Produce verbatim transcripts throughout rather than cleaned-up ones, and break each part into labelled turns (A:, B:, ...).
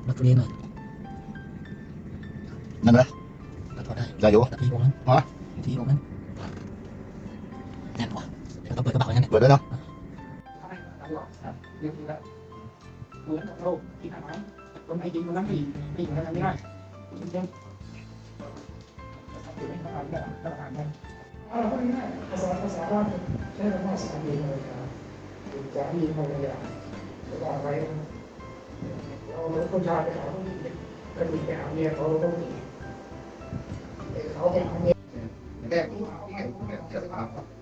A: รถตัวนี้หน่อย
B: นั่นไหม
A: ก็ถอดได้
B: ได้อยู่
A: ทีวงนั้น
B: ฮะ
A: ทีวงนั้นแน่นกว่าเดี๋ยวต้องเปิดกระเป๋าอย่างนั้น
B: เปิดได้เนาะ
C: เรียบร้อยเหมือนกับเราที่ทำไมคนไทยจริงคนนั้นไม่ไม่อยู่ทำไม่ได้จริงจริงไม่ทำได้ไม่ทำได้เราก็ง่ายภาษาภาษาบ้านใช้คำว่าสามีภรรยาสามีภรรยาจะว่าไว้เราคนชายไปหาผู้หญิงก็มีไปหาเมียเขาต้องมีเขาไปหาเมีย
B: แก้ผู้ที่เห็นผู้เนี่ยเชื่อสภาพครับ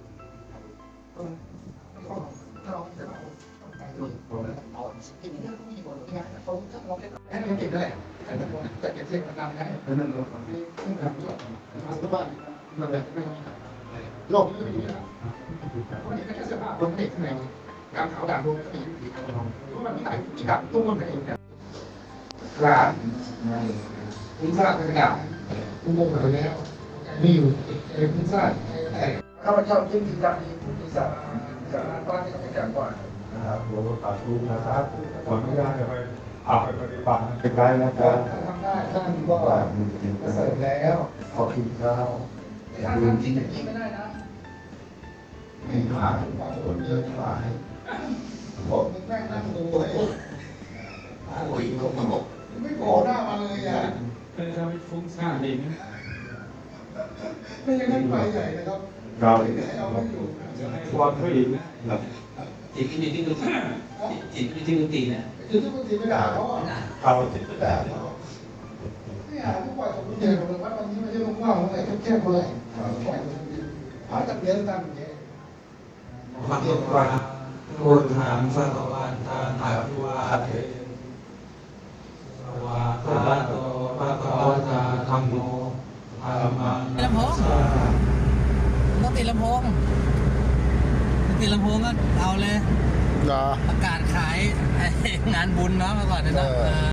A: เอาที่นี่ก็มีคนที่งานเขาจะลอง
C: แค่นี้เก็บได้แต่ถ้าผมจะเก็บเส้นนำได้นั่นเราไม่ไม่ทำด้วยมาทุกบ้านนั่นแหละไม่โลกนี้ไม่มีแล้วคนนี้แค่เสื้อผ้าคนเด็กข้างในการขาวด่างดวงก็มีอยู่ดีทุกวันนี้ไหนที่ดับตุ้มมันเองเนี่ยร้านพิซซ่าเป็นดาบตุ้มมงไปแล้วมีอยู่เอพิซซ่าแต่ข้าพเจ้าจึงดีจังดีผู้ที่สามจากร้านบ้านที่เขาเป็นอย่างก่อน
D: นะครับหลวงพ่อตาชูนะครับขออนุญาตจะไปอาไปปฏิบัติเป็นไรนะครับ
C: ทำได้ท่านก็เสร็จแล้ว
D: ขอกินข้าว
C: ท่านทำจริงจริงไม่ได้นะ
D: ไม่ผ่านคนเยอะฝ่าย
C: ผมแม่งนั่งดูเลย
B: โอ้ยเขามาบอก
C: ไม่โผล่หน้ามาเลยอ่ะ
E: เป็นทำให้ฟุ้งซ่านเองนะ
C: ไม่ยังนั่งไปใหญ่นะครับ
D: เรา
C: ไม่ได้เอาไม่อยู่
E: ความผู้หญิงนะ
A: จิตที่มีที่ดูจิตที่ที่ดูตีนะ
C: คือทุกทีไม่ด่าเขาอ่ะ
D: เราติดแต่เรา
C: ไม่หาทุกวันผมเจอผมว่าวันนี้ไม่ใช่ลูกว่างอะไรแค่ๆเลยหาตัดเลี้ยงตามอย่างเงี้ย
E: มักว่าพุทธังสัตวันทานาภิวาเทสวาคาโตภะคะวะตาธัมโมธัมมัง
A: ลำโพงต้องติดลำโพงติดลำโพงก็เอาเลย
B: เหรอ
A: ประกาศขายงานบุญเนาะเมื่อก่อนเนี่ยเนาะ